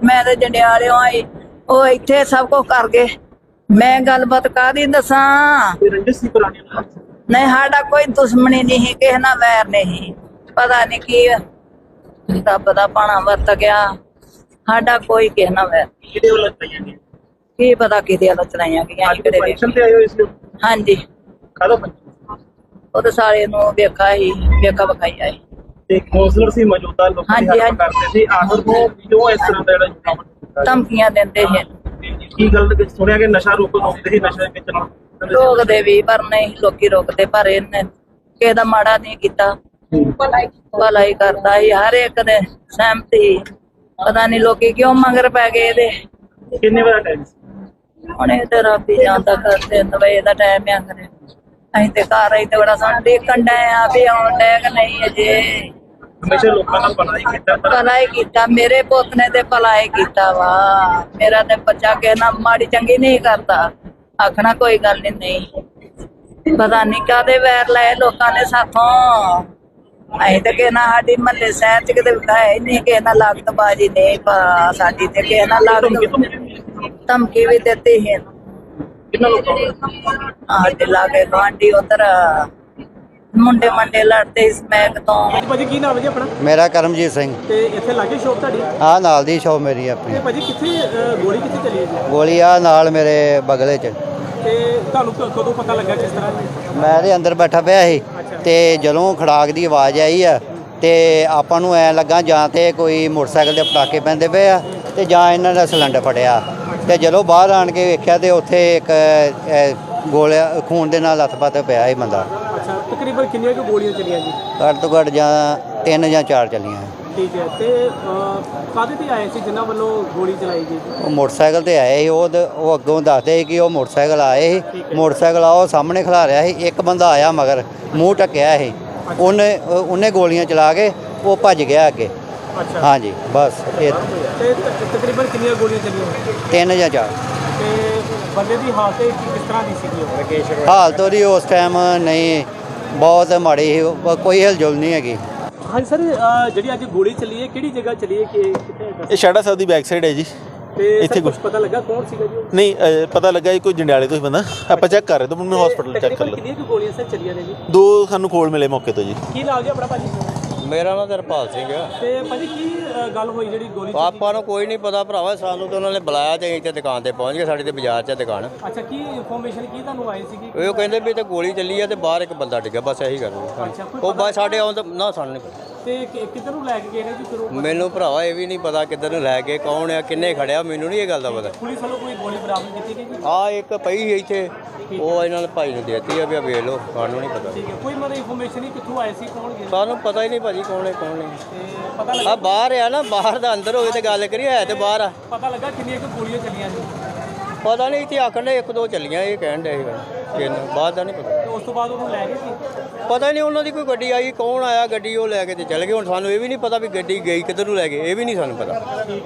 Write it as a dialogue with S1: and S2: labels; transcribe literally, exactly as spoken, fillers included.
S1: मैं तो जंडियाले आई वो इत्थे सब कुछ कर गए। मैं गलबात कादी दसा नहीं साडा कोई दुश्मनी नहीं किसी नाल वैर नहीं पता नहीं की रब दा पाना वरत गया साडा कोई किसी नाल वैर की पता किहदे वाल चलाइयां गईयां। हाँ जी ਉਹ ਸਾਰੇ ਨੂੰ ਵੇਖਾ ਹੀ ਵੇਖਾ ਵਿਖਾਈ ਆਏ
S2: ਤੇ ਕੌਂਸਲਰ ਸੀ ਮੌਜੂਦਾ ਲੋਕਾਂ ਦੀ ਹੈਲਪ ਕਰਦੇ ਸੀ ਆਖਰ ਨੂੰ ਕਿਉਂ ਇਸ ਤਰ੍ਹਾਂ ਦਾ ਜਿਹੜਾ
S1: ਧਮਕੀਆਂ ਦਿੰਦੇ ਸੀ।
S2: ਕੀ ਗੱਲ ਸੁਣਿਆ ਕਿ ਨਸ਼ਾ ਰੋਕੋ ਰੋਕਦੇ ਸੀ ਨਸ਼ੇ ਵਿੱਚ
S1: ਰੋਕਦੇ ਵੀ ਪਰ ਨਹੀਂ ਲੋਕੀ ਰੋਕਦੇ ਪਰ ਇਹਨੇ ਕਿਸੇ ਦਾ ਮਾੜਾ ਨਹੀਂ ਕੀਤਾ ਭਲਾ ਹੀ ਕਰਦਾ ਸੀ ਹਰ ਇੱਕ ਦੇ ਸਹਿਮਤੀ ਪਤਾ ਨਹੀਂ ਲੋਕੀ ਕਿਉਂ ਮਗਰ ਪੈ ਗਏ ਇਹਦੇ।
S2: ਕਿੰਨੇ ਵਜੇ ਟਾਈਮ
S1: ਹੁਣ ਇਹ ਤੇ ਰੱਬ ਹੀ ਜਾਣਦਾ ਕਰਦੇ ਵਜੇ ਦਾ ਟਾਈਮ ਆ ਕਰੇ ਅਸੀਂ ਤੇ ਘਰ ਆਈ ਤੇ ਬੜਾ ਸਾਨੂੰ ਦੇਖਣ ਡਏ ਆ ਵੀ ਆਉਣ ਡਏ ਕਿ ਨਹੀਂ ਅਜੇ।
S2: ਹਮੇਸ਼ਾ ਲੋਕਾਂ ਦਾ ਭਲਾ ਹੀ ਕੀਤਾ
S1: ਭਲਾ ਹੀ ਕੀਤਾ ਮੇਰੇ ਪੁੱਤ ਨੇ ਤੇ ਭਲਾ ਹੀ ਕੀਤਾ ਵਾ ਮੇਰਾ ਤੇ ਬੱਚਾ ਕਹਿਣਾ ਮਾੜੀ ਚੰਗੀ ਨਹੀਂ ਕਰਦਾ ਆਖਣਾ ਕੋਈ ਗੱਲ ਨਹੀਂ ਨਹੀਂ ਪਤਾ ਨਹੀਂ ਕਾਹਦੇ ਵੈਰ ਲਏ ਲੋਕਾਂ ਨੇ ਸਾਥੋਂ। ਅਸੀਂ ਤੇ ਕਹਿਣਾ ਸਾਡੀ ਮਹੱਲੇ ਸ਼ਹਿਰ ਚ ਕਿਤੇ ਵਿਖਾਇਆ ਨਹੀਂ ਕਿਸੇ ਨਾਲ ਲਾਗਤਬਾਜ਼ੀ ਨਹੀਂ ਪਰ ਸਾਡੀ ਤੇ ਕਿਸੇ ਨਾਲ ਲਾਗਤ ਧਮਕੀ ਵੀ ਦਿੱਤੀ ਹੈ।
S2: ਕਿੰਨਾ ਲੋਕਾਂ
S1: ਸਾਡੇ ਲਾਗੇ ਗੁਆਂਢੀ ਉਧਰ ਮੁੰਡੇ ਮੰਡੇ ਲੜਦੇ ਇਸ ਮੈਕ ਤੋਂ।
S3: ਭਾਜੀ ਕੀ ਨਾਮ ਹੈ ਜੀ ਆਪਣਾ?
S4: ਮੇਰਾ ਕਰਮਜੀਤ ਸਿੰਘ।
S3: ਤੇ ਇੱਥੇ ਲਾਗੇ ਸ਼ੌਪ ਤੁਹਾਡੀ?
S4: ਆ ਨਾਲ ਦੀ ਸ਼ੌਪ ਮੇਰੀ ਆਪਣੀ।
S3: ਤੇ ਭਾਜੀ ਕਿੱਥੇ ਗੋਲੀ ਕਿੱਥੇ ਚੱਲੀ ਹੈ ਜੀ?
S4: ਗੋਲੀ ਆ ਨਾਲ ਮੇਰੇ ਬਗਲੇ 'ਚ।
S3: ਤੇ ਤੁਹਾਨੂੰ ਕਦੋਂ ਪਤਾ ਲੱਗਾ ਕਿਸ ਤਰ੍ਹਾਂ?
S4: ਮੈਂ ਦੇ ਅੰਦਰ ਬੈਠਾ ਪਿਆ ਸੀ ਤੇ ਜਦੋਂ ਖੜਾਕ ਦੀ ਆਵਾਜ਼ ਆਈ ਆ ਤੇ ਆਪਾਂ ਨੂੰ ਐ ਲੱਗਾ ਜਾਂ ਤੇ ਕੋਈ ਮੋਟਰਸਾਈਕਲ ਦੇ ਪਟਾਕੇ ਪੈਂਦੇ ਪਏ ਆ ਤੇ ਜਾਂ ਇਹਨਾਂ ਦਾ ਸਿਲੰਡਰ ਫਟਿਆ ਤੇ ਜਦੋਂ ਬਾਹਰ ਆਣ ਕੇ ਵੇਖਿਆ ਤੇ ਉੱਥੇ ਇੱਕ ਗੋਲਿਆ ਖੂਨ ਦੇ ਨਾਲ ਲੱਥ-ਪੱਥ ਪਿਆ ਸੀ ਬੰਦਾ।
S3: ਅੱਛਾ ਤਕਰੀਬਨ ਕਿੰਨੀਆਂ ਕੁ ਗੋਲੀਆਂ ਚੱਲੀਆਂ ਜੀ?
S4: ਘੱਟ ਤੋਂ ਘੱਟ ਜਾਂ ਤਿੰਨ ਜਾਂ ਚਾਰ ਚੱਲੀਆਂ।
S3: ਠੀਕ ਹੈ ਤੇ ਕਾਹਦੇ ਤੇ ਆਏ ਸੀ ਜਿਨ੍ਹਾਂ ਵੱਲੋਂ ਗੋਲੀ ਚਲਾਈ ਗਈ?
S4: ਉਹ ਮੋਟਰਸਾਈਕਲ ਤੇ ਆਏ ਸੀ ਉਹ ਉਹ ਅੱਗੋਂ ਦੱਸਦੇ ਸੀ ਕਿ ਉਹ ਮੋਟਰਸਾਈਕਲ ਆਏ ਸੀ ਮੋਟਰਸਾਈਕਲ ਆ ਉਹ ਸਾਹਮਣੇ ਖਲਾ ਰਿਹਾ ਸੀ ਇੱਕ ਬੰਦਾ ਆਇਆ ਮਗਰ ਮੂੰਹ ਢੱਕਿਆ ਸੀ ਉਹਨੇ ਉਹਨੇ ਗੋਲੀਆਂ ਚਲਾ ਕੇ ਉਹ ਭੱਜ ਗਿਆ ਅੱਗੇ।
S3: ਅੱਛਾ
S4: ਹਾਂਜੀ ਬਸ ਇਹ
S3: ਤੇ ਤਕਰੀਬਨ ਕਿੰਨੀਆਂ ਗੋਲੀਆਂ ਚੱਲੀਆਂ?
S4: ਤਿੰਨ ਜਾਂ ਚਾਰ।
S3: ਤੇ ਬੰਦੇ ਦੀ ਹਾਲਤ ਕਿਸ ਤਰ੍ਹਾਂ ਦੀ ਸੀਗੀ? ਰਕੇਸ਼
S4: ਹਾਲਤ ਉਹਦੀ ਉਸ ਟਾਈਮ ਨਹੀਂ ਬਹੁਤ ਮਾੜੀ ਸੀ ਕੋਈ ਹਿਲਜੁਲ ਨਹੀਂ ਹੈਗੀ।
S3: ਹਾਂਜੀ ਸਰ ਜਿਹੜੀ ਅੱਜ ਗੋਲੀ ਚੱਲੀ ਹੈ ਕਿਹੜੀ ਜਗ੍ਹਾ ਚੱਲੀ ਹੈ ਕਿ ਕਿੱਥੇ?
S5: ਇਹ ਸ਼ਾੜਾ ਸਾਹਿਬ ਦੀ ਬੈਕ ਸਾਈਡ ਹੈ ਜੀ।
S3: ਤੇ
S5: ਇੱਥੇ
S3: ਕੁਝ ਪਤਾ ਲੱਗਾ ਕੌਣ ਸੀਗਾ ਜੀ?
S5: ਨਹੀਂ ਪਤਾ ਲੱਗਾ ਜੀ ਕੋਈ ਜੰਡਿਆਲੇ ਤੋਂ ਹੀ ਬੰਦਾ ਆਪਾਂ ਚੈੱਕ ਕਰ ਰਹੇ ਤਾਂ ਮੈਨੂੰ ਹਸਪੀਟਲ ਚੈੱਕ ਕਰ ਲਿਆ।
S3: ਕਿੰਨੀਆਂ ਕੁ ਗੋਲੀਆਂ ਸਰ ਚੱਲੀਆਂ ਨੇ ਜੀ?
S5: ਦੋ ਸਾਨੂੰ ਕੋਲ ਮਿਲੇ ਮੌਕੇ ਤੋਂ ਜੀ।
S3: ਕੀ ਨਾਮ ਜੀ ਆਪਣਾ ਭਾਜੀ?
S6: ਮੇਰਾ ਨਾਮ ਤਰਪਾਲ ਸਿੰਘ ਆ।
S3: ਤੇ ਭਾਜੀ ਕੀ ਗੱਲ ਹੋਈ ਜਿਹੜੀ ਗੋਲੀ?
S6: ਆਪਾਂ ਨੂੰ ਕੋਈ ਨਹੀਂ ਪਤਾ ਭਰਾਵਾ ਸਾਨੂੰ ਤਾਂ ਉਹਨਾਂ ਨੇ ਬੁਲਾਇਆ ਤੇ ਇੱਥੇ ਦੁਕਾਨ ਤੇ ਪਹੁੰਚ ਗਏ ਸਾਡੀ ਤੇ ਬਾਜ਼ਾਰ 'ਚ ਦੁਕਾਨ।
S3: ਅੱਛਾ ਕੀ ਇਨਫੋਰਮੇਸ਼ਨ ਕੀ ਤੁਹਾਨੂੰ ਆਈ ਸੀਗੀ?
S6: ਉਹ ਕਹਿੰਦੇ ਵੀ ਤੇ ਗੋਲੀ ਚੱਲੀ ਆ ਤੇ ਬਾਹਰ ਇੱਕ ਬੰਦਾ ਡਿੱਗਾ ਬਸ ਇਹੀ ਗੱਲ ਉਹ ਬਸ ਸਾਡੇ ਆਉਣ ਤੋਂ ਨਾ ਸਾਨੂੰ ਨਹੀਂ ਪਤਾ।
S3: ਤੇ ਕਿੱਧਰ ਨੂੰ ਲੈ ਕੇ ਗਏ ਨੇ ਜੀ ਫਿਰ ਉਹ?
S6: ਮੈਨੂੰ ਭਰਾਵਾ ਇਹ ਵੀ ਨਹੀਂ ਪਤਾ ਕਿੱਧਰ ਨੂੰ ਲੈ ਕੇ ਕੌਣ ਆ ਕਿੰਨੇ ਖੜਿਆ ਮੈਨੂੰ ਨਹੀਂ ਇਹ ਗੱਲ ਦਾ ਪਤਾ।
S3: ਪੁਲਿਸ ਵੱਲੋਂ ਕੋਈ ਗੋਲੀ ਬਰਾਮਦ ਕੀਤੀ ਗਈ ਜੀ?
S6: ਆ ਇੱਕ ਪਈ ਸੀ ਇੱਥੇ ਉਹ ਇਹਨਾਂ ਨੇ ਭਾਈ ਨੂੰ ਦੇਤੀ ਆ ਵੀ ਆ ਵੇਖ ਲਓ ਸਾਨੂੰ ਨਹੀਂ ਪਤਾ।
S3: ਠੀਕ ਹੈ ਕੋਈ ਮਤਲਬ ਇਨਫੋਰਮੇਸ਼ਨ ਨਹੀਂ ਕਿੱਥੋਂ ਆਏ ਸੀ ਕੌਣ ਗਏ?
S6: ਸਾਨੂੰ ਪਤਾ ਹੀ ਨਹੀਂ ਭਾਜੀ ਕੌਣ ਹੈ ਕੌਣ ਨਹੀਂ।
S3: ਤੇ ਪਤਾ ਲੱਗਾ
S6: ਆ ਬਾਹਰ ਆ ਨਾ ਬਾਹਰ ਦਾ ਅੰਦਰ ਹੋਵੇ ਤੇ ਗੱਲ ਕਰੀਏ ਹੈ ਤੇ ਬਾਹਰ ਆ।
S3: ਪਤਾ ਲੱਗਾ ਕਿੰਨੀਆਂ ਕੁ ਗੋਲੀਆਂ ਚੱਲੀਆਂ ਜੀ?
S6: ਪਤਾ ਨਹੀਂ ਇੱਥੇ ਆਖਣ ਦੇ ਇੱਕ ਦੋ ਚੱਲੀਆਂ ਇਹ ਕਹਿਣ ਦੇ ਤਿੰਨ ਬਾਅਦ ਦਾ ਨਹੀਂ ਪਤਾ।
S3: ਤੇ ਉਸ ਤੋਂ ਬਾਅਦ ਉਹਨੂੰ ਲੈ ਗਏ ਸੀ?
S6: ਪਤਾ ਨਹੀਂ ਉਹਨਾਂ ਦੀ ਕੋਈ ਗੱਡੀ ਆਈ ਕੌਣ ਆਇਆ ਗੱਡੀ ਉਹ ਲੈ ਕੇ ਤੇ ਚਲੇ ਗਏ ਹੁਣ ਸਾਨੂੰ ਇਹ ਵੀ ਨਹੀਂ ਪਤਾ ਵੀ ਗੱਡੀ ਗਈ ਕਿੱਧਰ ਨੂੰ ਲੈ ਗਏ ਇਹ ਵੀ ਨਹੀਂ ਸਾਨੂੰ ਪਤਾ।